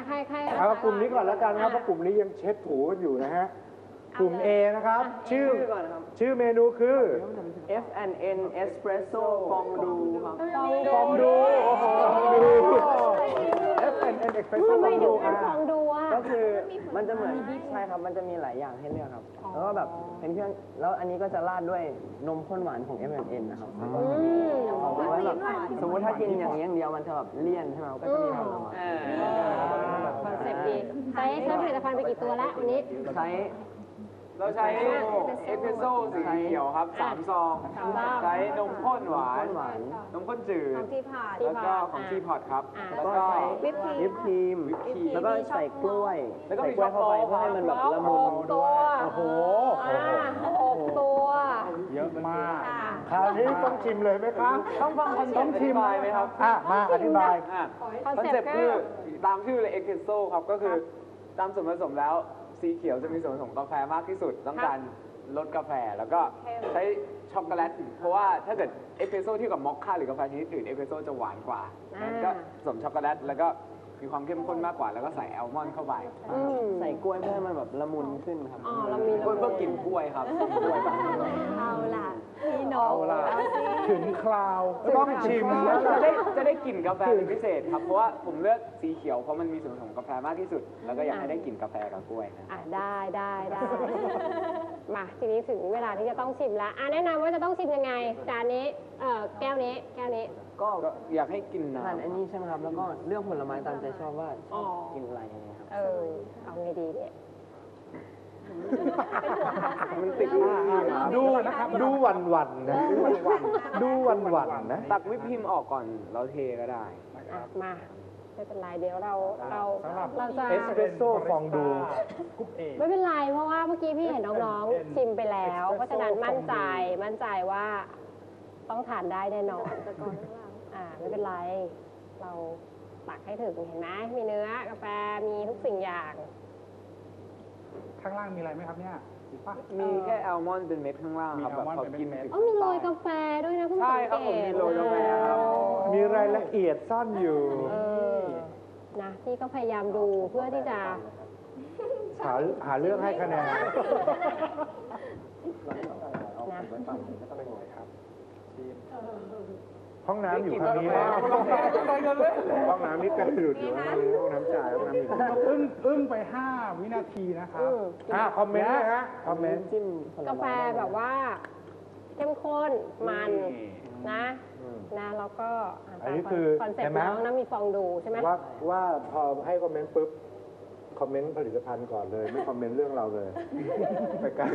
ใครเอากลุ่มนี้ก่อนแล้วกันครับเพราะกลุ่มนี้ยังเช็ดถูกันอยู่นะฮะกลุ่ม A นะครับชื่อเมนูคือ F&N Espresso ฟองดูครับฟองดูโอ้โหฟองดู F&N Espresso ทำไมฟองถึดูงเป็นฟองดูอ่ะก็คือมันจะเหมือนใช่ครับมันจะมีหลายอย่างให้เลือกครับแล้วก็แบบเป็นเครื่องแล้วอันนี้ก็จะราดด้วยนมข้นหวานของ F&N นะครับเอาไว้แบบสมมติถ้ากินอย่างนี้อย่างเดียวมันจะแบบเลี่ยนใช่ไหมก็จะมีผลไม้คอนเซ็ปต์ดีใช้ผลิตภัณฑ์ไปกี่ตัวแล้ววันนี้ใช้เราใช้เอสเปรสโซ่สีเขียวครับ3 ซอง ใช้นมข้นหวาน นมข้นจืดของที่ผ่านแล้วก็ของทีพอตครับ แล้วก็วิปครีวิมปครีมแล้วก็ใส่กล้วยแล้วก็ใส่มีกล้วยเข้าไปช็อกโกแลตเพื่อให้มันแบบละมุนตัวโอ้โห 6 ตัวเยอะมากคราวนี้ต้องชิมเลยไหมครับต้องฟังคอนเซ็ปต์อธิบายไหมครับมาอธิบายคอนเซ็ปต์คือตามชื่อเลยเอสเปรสโซ่ครับ ก็คือตามส่วนผสมแล้วสีเขียวจะมีส่วนผสมกาแฟมากที่สุด ต้องการลดกาแฟแล้วก็ใช้ช็อกโกแลตเพราะว่าถ้าเกิดเอสเปรสโซ่เทียบกับมอคค่าหรือกาแฟชนิดอื่นเอสเปรสโซ่จะหวานกว่างั้นก็ผสมช็อกโกแลตแล้วก็มีความเข้มข้นมากกว่าแล้วก็ใส่แอลมอนด์เข้าไปใส่กล้วยเพื่อให้มันแบบละมุนขึ้นครับอ๋อเรามีเพื่อกลิ่นกล้วยครับกล้วยแบบเอาล่ะพี่น้องเอาล่ะเอาสิถึงคราวต้องชิมแล้วจะได้กลิ่นกาแฟเป็นพิเศษครับ เพราะว่าผมเลือกสีเขียวเพราะมันมีส่วนผสมกาแฟมากที่สุด แล้วก็อยากให้ได้กลิ่นกาแฟกับกล้วยนะได้มาทีนี้ถึงเวลาที่จะต้องชิมแล้วแนะนำว่าจะต้องชิมยังไงจานนี้แก้วนี้ก็ก็อยากให้กินน้ทานอันนี้ใช่ไหมครับ แล้วก็เลือกผลไม้ตามใจชอบว่าชอบกินอะไรยังไงครับเอาไงดีเนี่ยำมันติดมากดูหวันๆนะดูหวันๆนะตักวิปครีมออกก่อนแล้วเทก็ได้มาไม่เป็นไรเดี๋ยวเราจะเอสเปรสโซ่ฟองดูไม่เป็นไรเพราะว่าเมื่อกี้พี่เห็นน้องๆชิมไปแล้ว เพราะฉะนั้นมั่นใจว่าต้องทานได้แน่นอนไม่เป็นไรเราตักให้ถึงเห็นไหมมีเนื้อกาแฟมีทุกสิ่งอย่างข้างล่างมีอะไรไหมครับเนี่ยป่ะมีแค่แอลมอนด์เป็นเม็ดข้างล่างครับแบบพอกินถึงมีโรยกาแฟด้วยนะเพิ่งสังใช่ครับเกผมตมีโรยกาแฟครับมีรายละเอียดซ่อนอยู่นะพี่ก็พยายามดูเพื่อที่จะหาเรื่องให้คะแนนนะห้องน้ำอยู่ทางนี้นะห้องน้ำนี่กระดุดอยู่ห้องน้ำจ่ายห้องน้ำอยู่อึ้งไป 5 วินาทีนะครับคอมเมนต์นะฮะคอมเมนต์จิ้มผลไม้กาแฟแบบว่าเข้มข้นมันนะแล้วก็อันนี้คือคอนเซ็ปเห็นต์ไหมน้องนะมีฟองดูใช่ไหมว่าพอให้คอมเมนต์ปุ๊บคอมเมนต์ผลิตภัณฑ์ก่อนเลย ไม่คอมเมนต์เรื่องเราเลยไปกัน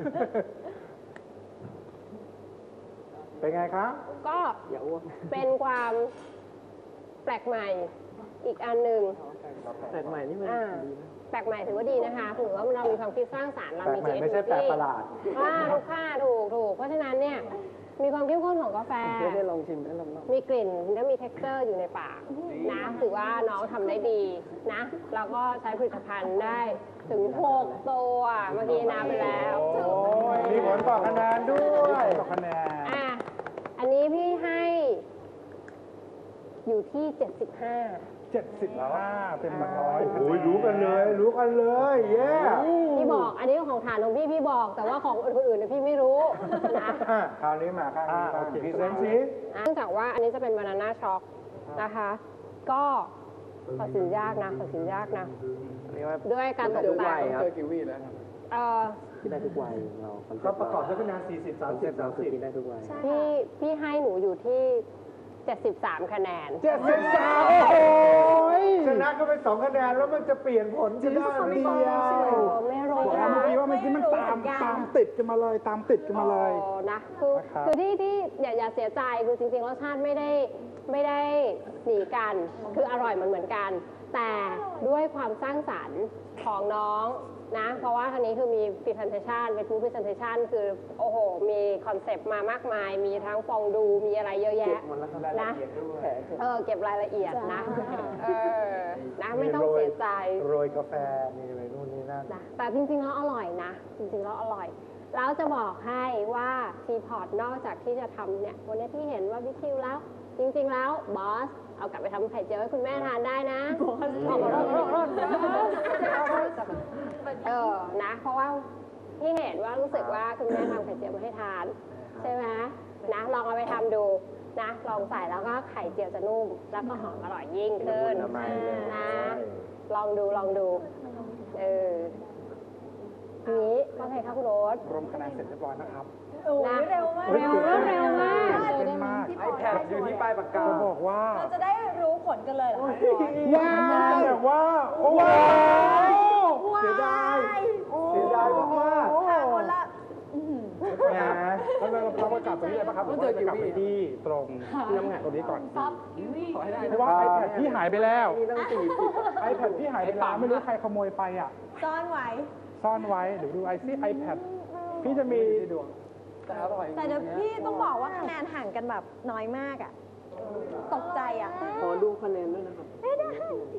เป็นไงครับก็อย่าอ้วกเป็นความแปลกใหม่อีกอันหนึ่งแปลกใหม่นี่มันแปลกใหม่ถือว่าดีนะคะถือว่าเรามีความคิดสร้างสรรค์เราแปลกมีใหม่ไม่ใช่แปลกประหลาดทุกค่าถูกเพราะฉะนั้นเนี่ยมีความเข้มข้นของกาแฟไม่ได้ลองชิมได้ลองมีกลิ่นและมี texture อยู่ในปากนะถือว่าน้องทำได้ดีนะแล้วก็ใช้ผลิตภัณฑ์ได้ถึง6 ตัวเมื่อกี้นับไปแล้วมีผลต่อคะแนนด้วยต่อคะแนนอันนี้พี่ให้อยู่ที่ 75 75 เป็น100 โอ้ยรู้กันเลยเย้พี่บอกอันนี้ของฐานของพี่บอก แต่ว่าของคนอื่นเนี่ยพี่ไม่รู้นะคราวนี้มาข้างนี้บ้างพรีเซนต์สิเนื่องจากว่าอันนี้จะเป็นบานาน่าช็อกนะคะ ก็ตัดสินยากนะด้วยการตกแต่งเจอกิวีแล้วกินได้ทุกวัยเราก็ประกอบด้วยคะแนน40 30 เราคือกินได้ทุกวัยพี่ให้หนูอยู่ที่ 73 คะแนน 73โอ้โหชนะก็ไป2 คะแนนแล้วมันจะเปลี่ยนผลจะได้เดียวไม่รู้บอกแล้วเมื่อกี้ว่าเมื่อกี้มันตามติดกันมาเลยนะคือที่อย่าเสียใจคือจริงๆรสชาติไม่ได้หนีกันคืออร่อยเหมือนกัน แต่ด้วยความสร้างสรรค์ของน้องนะเพราะว่าทางนี้คือมี presentation เป็น food presentation คือโอ้โหมีคอนเซปต์มามากมายมีทั้งฟองดูมีอะไรเยอะแยะนะเก็บรายละเอียดนะนะไม่ต้องเสียใจโรยกาแฟมีอะไรนู่นนี่นั่นนะแต่จริงๆแล้วอร่อยนะจริงๆแล้วอร่อยแล้วจะบอกให้ว่าทีพอร์ตนอกจากที่จะทำเนี่ยวันนี้พี่เห็นว่าบิ๊กคิวแล้วจริงๆแล้วบอสเอากลับไปทำไข่เจียวให้คุณแม่ทานได้นะขอโทษเพราะว่าที่เห็นว่ารู้สึกว่าคุณแม่ทำไข่เจียวมาให้ทานใช่ไหมนะลองเอาไปทำดูนะลองใส่แล้วก็ไข่เจียวจะนุ่มแล้วก็หอมอร่อยยิ่งขึ้นนะลองดูนี้ว่าไงคะคุณโรสรวมคะแนนเสร็จเรียบร้อยนะครับโอ้ยเร็วมากเร็วมากเต้นมากไอแพดอยู่ที่ปลายปากกาจะบอกว่าเราจะได้รู้ผลกันเลยเหรอคะว้าวแบบว่า โอ้โหเสียดายเสียดายมากค่ะคนละๆนะแล้วเราประกาศตรงนี้เลยป่ะครับหรือว่าจะกลับไปที่ตรงที่น้ำแข็งตรงนี้ก่อนขอให้ได้เพราะว่า iPad พี่หายไปแล้วนี่ต้อง40 iPad พี่หายไปแล้วไม่รู้ใครขโมยไปอ่ะซ่อนไว้ซ่อนไว้เดี๋ยวดูไอซี่ iPad พี่จะมีแต่อร่อยแต่เดี๋ยวพี่ต้องบอกว่าคะแนนห่างกันแบบน้อยมากอ่ะ ตกใจอ่ะขอดูคะแนนด้วยนะครับไม่ได้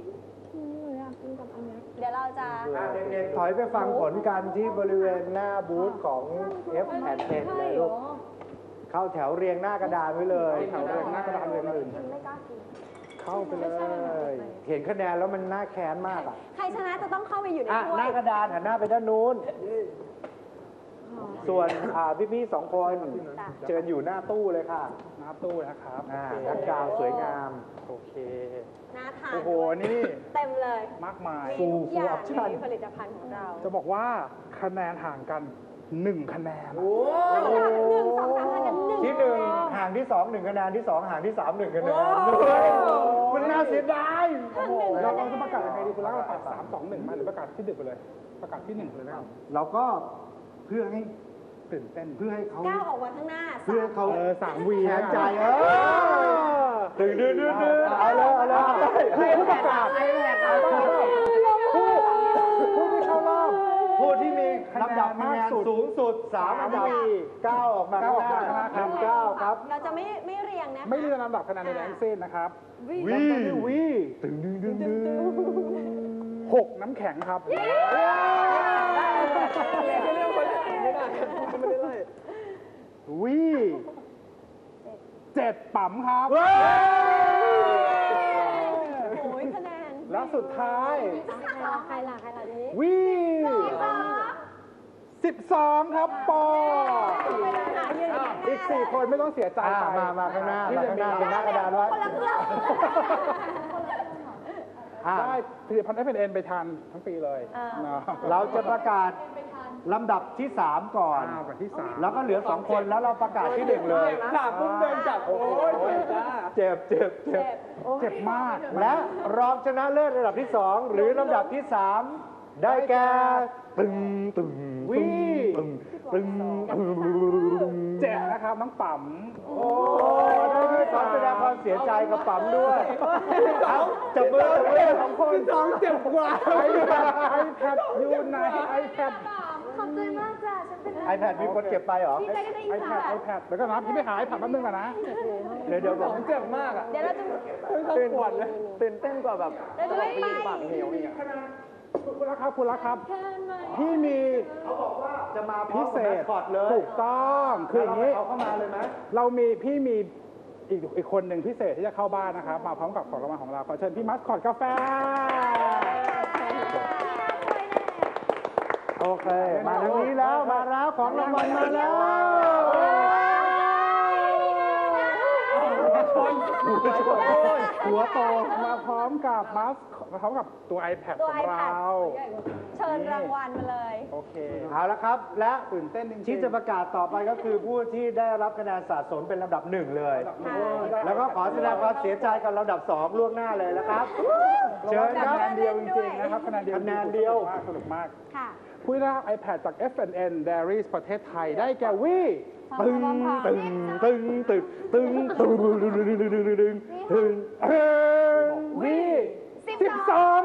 เดี๋ยวเราจะเด็กๆถอยไปฟังผลกันที่บริเวณหน้าบูธของ F&N เลยลูก เข้าแถวเรียงหน้ากระดานไว้เลยแถวเรียงหน้ากระดานเรียงหนึ่งเข้าไปเลยเห็นคะแนนแล้วมันน่าแค้นมากอ่ะใครชนะจะต้องเข้าไปอยู่ในอ่ะถ้วหน้าย กระดานหันหน้าไปด้านนู้น ส่วนพี่ๆสองคนเชิญอยู่หน้าตู้เลยค่ะหน้าตู้นะครับแบ็คกราวด์สวยงามโอเคน่าทานโอ้โห นี่เต็มเลยมากมายมีทุกอย่าง full option ในผลิตภัณฑ์ของเราจะบอกว่าคะแนนห่างกัน 1 คะแนนหนึ่งสองสามพันกันหนึ่งที่หนึ่งห่างที่สองหนึ่งคะแนนที่สองห่างที่สามหนึ่งคะแนนมันน่าเสียดายเราจะประกาศยังไงดีคุณรักเราประกาศ3 2 1มาหรือประกาศที่ดึกไปเลย ประกาศที่1เลยนะครับเราก็เพื่อให้ตื่นเต้นเพื่อให้เขาก้าวออกมาข้างหน้าเพื่อให้เขา 3 วีแข็นะงใจดึงเอาเลยให้ผู้ประกาศผู้ที่เข้ารอบผู้ที่มีลำดับคะแนนสูงสุด3อันดับก้าวออกมาข้างหน้า1-9ครับเราจะไม่เรียงนะคะไม่เรียนลำดับคะแนนในแรงเส้นนะครับวีตึง 6 น้ำแข็งครับ วี7 ปั๊มครับโอ้ยคะแนนและสุดท้ายใครล่ะนี้วี12 ครับปอ อีก 4 คนไม่ต้องเสียใจไปมาข้างหน้าที่จะมีเป็นหน้ากระดานไว้ได้ผลิตภัณฑ์ F&N ไปทานทั้งปีเลยเนาะเราจะประกาศลำดับที่ 3 ก่อนแบบที่ 3 แล้วก็เหลือ 2 คนแล้วเราประกาศที่ 1 เลยหนักปุ๊บเดินจับโอ้ยจ้าเจ็บเจ็บมากและรองชนะเลิศระดับที่ 2 หรือลำดับที่ 3 ได้แก่ตึงเจ็บนะครับน้องปั๊มโอ้ยขอแสดงความเสียใจกับปั๊มด้วยเอาจับมือของคนเจ็บกว่า iPad อยู่ไหน iPad ขอบใจมากจ้ะฉันเป็น iPad มีคนเก็บไปเหรอดีใจกันได้อีกค่ะ iPad เดี๋ยวก็นะพี่ไม่หาย iPad แป๊บนึงก่อนนะเดี๋ยวบอกเจ็บมากอ่ะเดี๋ยวเราจะตื่นเต้นกว่าแบบเราจะไม่ไปปากเหนียวอีกอะคุณรักครับ พี่มีจะมาพร้อพิมเศกับแมษสคอตเลยถูกต้องคืออย่างนี้เอาเข้ามาเลยไหมพี่มีอีกคนหนึ่งพิเศษที่จะเข้าบ้านนะครับ มาพร้อมกับของรางวัลของเราขอเชิญพี่มัสคอตกาแฟโอเค มาทางนี้แล้วมาแล้วของรางวัลมาแล้วหัวโตมาพร้อมกับตัว iPad ตัวของเราเชิญรางวัลมาเลยโอเคเอาละครับ และตื่นเต้นจริงๆที่จะประกาศต่อไปก็คือผู้ที่ได้รับคะแนนสะสมเป็นลำดับ 1 เลย แล้วก็ขอแสดงความเสียใจกับลำดับ 2 ล่วงหน้าเลยนะครับ เชิญครับคะแนนเดียวจริงๆนะครับคะแนนเดียวคะแนนเดียวสนุกมากค่ะผู้ได้รับ iPad จาก F&N Dairies ประเทศไทยได้แก่วีตึงวี12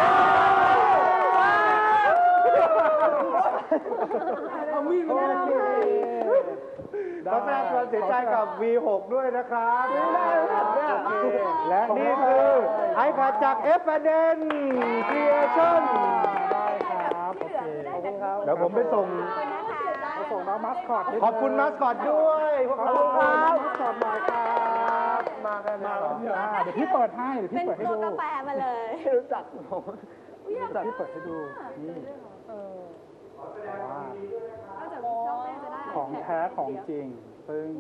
เอามีดมาเลยขอแสดงความเสียใจกับ V6 ด้วยนะครับและนี่คือ iPad จาก F&N Creation ได้ครับ โอเคเดี๋ยวผมไปส่งส่งน้องมัสคอตขอบคุณมัสคอตด้วยพวกเราครับมัสคอตหน่อยครับมากันแล้วเดี๋ยวพี่เปิดให้เดี๋ยวเป็พี่นเปิดให้ตัวดูกาแฟมาเลยไม่รู้จักผมเดี๋ยวพี่เปิดให้ดูนี่ของแท้ของจริง ซึ่ง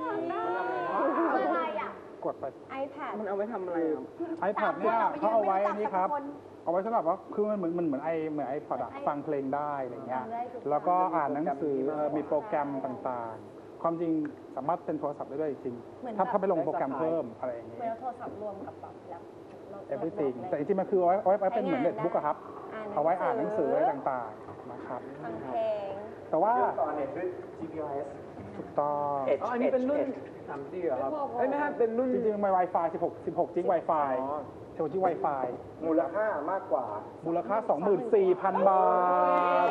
อะไรอ่ะกดไป iPad มันเอาไปทำอะไรครับ iPad เนี่ยเขาเอาไว้อันนี้ครับ เอาไว้สำหรับว่าคือมันเหมือนไอพอดอะฟังเพลงได้อะไรเงี้ย แล้วก็อ่านหนังสือมีโปรแกรมต่างๆ ความจริงสามารถเป็นโทรศัพท์ได้ด้วยจริงเหมือนถ้าไปลงโปรแกรมเพิ่มอะไรอย่างเหงี้มือนเอาโทรศัพท์รวมกับแบบแล็ป everything แต่จริงๆมันคือเอาไว้เป็นเหมือนเน็ตบุ๊กอะครับ เอาไว้อ่านหนังสืออะไรต่างๆนะครับฟังเพลงแต่ว่าต่อเน็ตด้วย GPS ถูกต้องอ๋ออันนี้เป็นรุ่น 3G เหรอครับเอ้ยไม่ใช่เป็นรุ่นจริงๆมัน Wi-Fi 16 จิก Wi-Fi 16 จิก Wi-Fi มูลค่ามากกว่ามูลค่า 24,000 บาท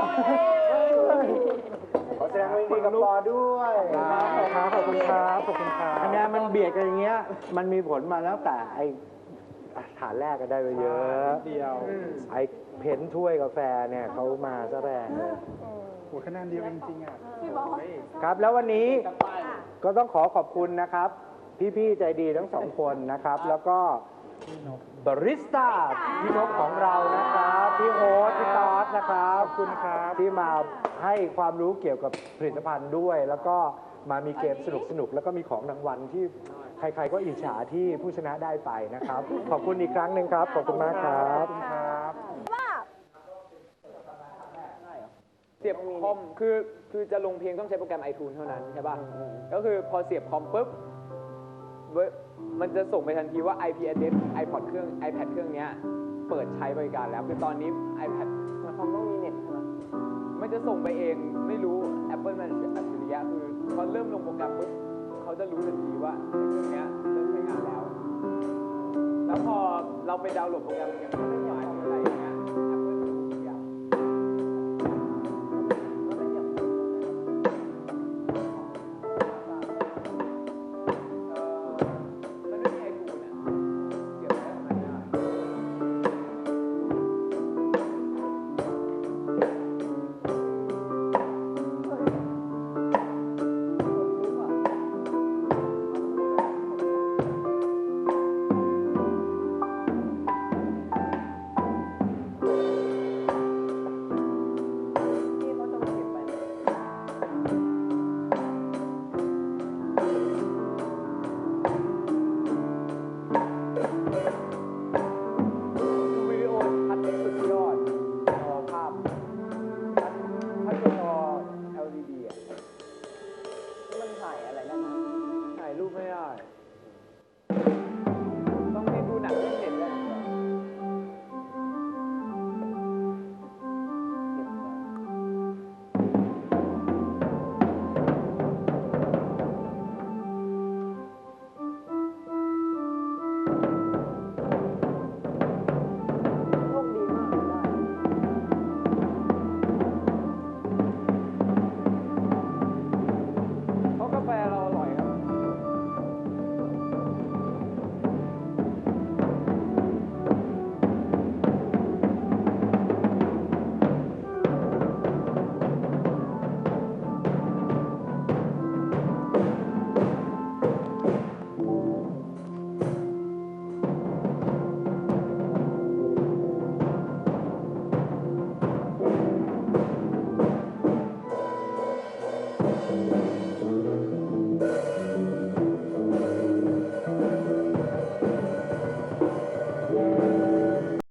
ขอแสดงความยินดีกับปอด้วยขอบคุณครับ ขอบคุณครับคะแนนมันเบียดกันอย่างเงี้ย มันมีผลมาแล้วแต่ไอฐานแรกก็ได้ไปเยอะเดียวไอเพ้นถ้วยกาแฟเนี่ยเขามาซะแรงเลยโหคะแนนเดียวจริงๆอ่ะครับแล้ววันนี้ก็ต้องขอบคุณนะครับ พี่ๆใจดีทั้งสองคนนะครับ แล้วก็บาริสต้าพี่นกของเรานะครับพี่โอ๊ตพี่ตอสนะครับขอบคุณครับที่มาให้ความรู้เกี่ยวกับผลิตภัณฑ์ด้วย แล้วก็มามีเกมสนุกๆแล้วก็มีของรางวัลที่ใครๆก็อิจฉาที่ผู้ชนะได้ไปนะครับ ขอบคุณอีกครั้งหนึ่งครับขอบคุณมากครับเสียบคอมคือจะลงเพลงต้องใช้โปรแกรม iTunes เท่านั้นใช่ป่ะ ก็คือพอเสียบคอมปุ๊บมันจะส่งไปทันทีว่า IP address iPod เครื่อง iPad เครื่องเนี้ยเปิดใช้บริการแล้วคือตอนนี้ iPad มันคอมต้องมีเน็ตใช่ไหมมันจะส่งไปเองไม่รู้ Apple มันอัจฉริยะคือพอเริ่มลงโปรแกรมปุ๊บเขาจะรู้ทันทีว่าเครื่องเนี้ยเริ่มใช้งานแล้ว แล้วพอเราไปดาวน์โหลดโปรแกรมอย่าง